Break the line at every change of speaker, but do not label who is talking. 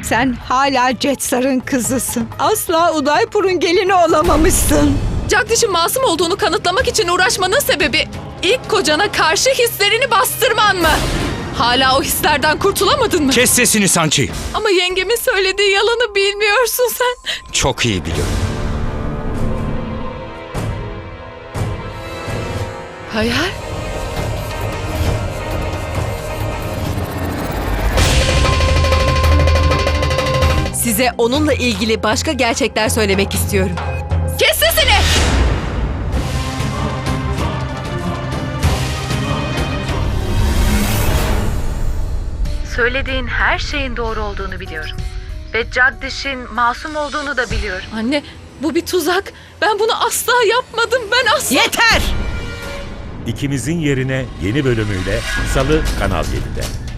Sen hala Jetsar'ın kızısın. Asla Udaipur'un gelini olamamışsın.
Jagdish'in masum olduğunu kanıtlamak için uğraşmanın sebebi ilk kocana karşı hislerini bastırman mı? Hala o hislerden kurtulamadın mı?
Kes sesini Sanchi.
Ama yengemin söylediği yalanı bilmiyorsun sen.
Çok iyi biliyorum.
Hayal?
Size onunla ilgili başka gerçekler söylemek istiyorum.
Kes sesini!
Söylediğin her şeyin doğru olduğunu biliyorum. Ve Jagdish'in masum olduğunu da biliyorum.
Anne, bu bir tuzak. Ben bunu asla yapmadım. Ben asla...
Yeter!
İkimizin Yerine yeni bölümüyle Salı Kanal 7'de.